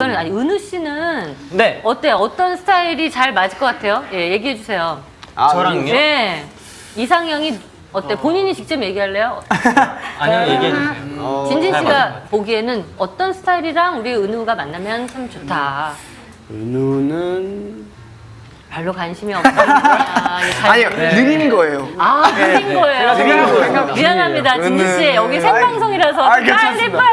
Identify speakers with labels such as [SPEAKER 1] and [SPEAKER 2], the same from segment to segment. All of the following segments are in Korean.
[SPEAKER 1] 아니 은우 씨는
[SPEAKER 2] 네.
[SPEAKER 1] 어때요? 어떤 스타일이 잘 맞을 것 같아요? 예, 얘기해 주세요.
[SPEAKER 2] 저랑요?
[SPEAKER 1] 네. 이상형이 어때? 본인이 직접 얘기할래요?
[SPEAKER 2] 아니요, 얘기해주세요.
[SPEAKER 1] 진진
[SPEAKER 2] 잘
[SPEAKER 1] 씨가
[SPEAKER 2] 맞아요.
[SPEAKER 1] 보기에는 어떤 스타일이랑 우리 은우가 만나면 참 좋다.
[SPEAKER 3] 은우는
[SPEAKER 1] 별로 관심이 없다.
[SPEAKER 3] 아니요 느린 거예요.
[SPEAKER 1] 아, 느린 거예요.
[SPEAKER 3] 느린 거예요.
[SPEAKER 1] 미안합니다, 진진 씨.
[SPEAKER 3] 은우.
[SPEAKER 1] 여기 생방송이라서
[SPEAKER 3] 아,
[SPEAKER 1] 빨리
[SPEAKER 3] 괜찮습니다.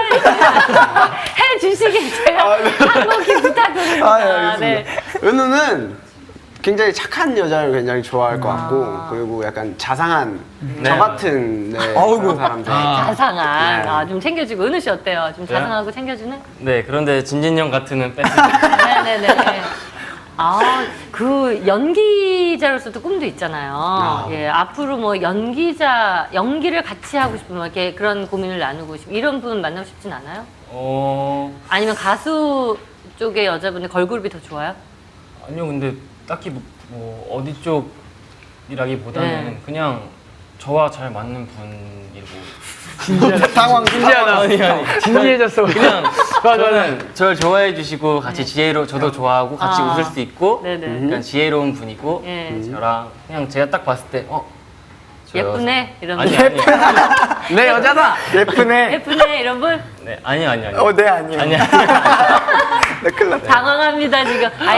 [SPEAKER 1] 해주시길 제가 한국히 부탁드립니다.
[SPEAKER 3] 아, 알겠습니다.
[SPEAKER 1] 네.
[SPEAKER 3] 은우는 굉장히 착한 여자를 굉장히 좋아할 것 같고 그리고 약간 자상한 저 같은 그런 사람 좋아해요.
[SPEAKER 1] 자상한.
[SPEAKER 3] 네.
[SPEAKER 1] 아, 좀 챙겨주고. 은우 씨 어때요? 좀 자상하고 챙겨주는?
[SPEAKER 2] 네, 그런데 진진 형 같으면 뺐어요.
[SPEAKER 1] 네네네. 아, 그 연기자로서도 꿈도 있잖아요. 예, 앞으로 뭐 연기를 같이 하고 싶으면 이렇게 그런 고민을 나누고 싶고 이런 분 만나고 싶진 않아요? 아니면 가수 쪽의 여자분의 걸그룹이 더 좋아요?
[SPEAKER 2] 아니요, 근데 딱히 뭐 어디 쪽이라기보다는
[SPEAKER 1] 네.
[SPEAKER 2] 그냥 저와 잘 맞는 분이고.
[SPEAKER 3] 상황 진지하다.
[SPEAKER 2] 아니.
[SPEAKER 3] 진지해졌어.
[SPEAKER 2] 그냥 저는 저를 좋아해 주시고 같이 저도 좋아하고 같이
[SPEAKER 1] 아.
[SPEAKER 2] 웃을 수 있고
[SPEAKER 1] 네네.
[SPEAKER 2] 약간 지혜로운 분이고
[SPEAKER 1] 예.
[SPEAKER 2] 저랑 그냥 제가 딱 봤을 때 저
[SPEAKER 1] 예쁘네 이런
[SPEAKER 2] 아니
[SPEAKER 1] 분.
[SPEAKER 2] 아니
[SPEAKER 3] 내 여자다. 예쁘네.
[SPEAKER 1] 예쁘네 이런 분.
[SPEAKER 2] 네 아니요
[SPEAKER 3] 네 아니에요.
[SPEAKER 2] 아니요
[SPEAKER 3] 네 큰일 났다.
[SPEAKER 1] 당황합니다 지금.